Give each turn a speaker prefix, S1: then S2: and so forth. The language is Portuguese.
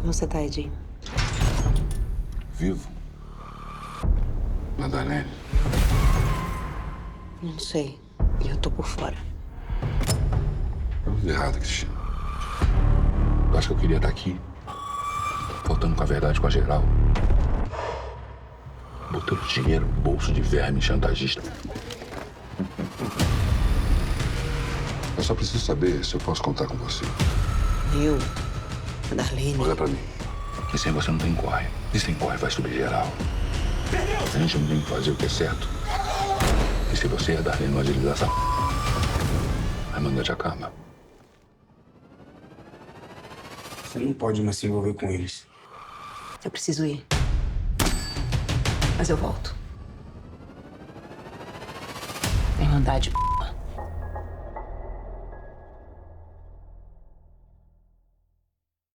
S1: Como você tá, Edi?
S2: Vivo. Madalene.
S1: Não sei. Eu tô por fora.
S2: Tudo errado, Cristina. Eu acho que eu queria estar aqui, faltando com a verdade com a geral. Botando dinheiro no bolso de verme chantagista. Eu só preciso saber se eu posso contar com você.
S1: Eu, a Darlene.
S2: Olha pra mim. Que sem você não tem corre. E sem corre vai subir geral. A gente não tem que fazer o que é certo. E se você e a Darlene não agilizar essa... a manga já acaba.
S3: Você não pode mais se envolver com eles.
S1: Eu preciso ir. Mas eu volto. Irmandade.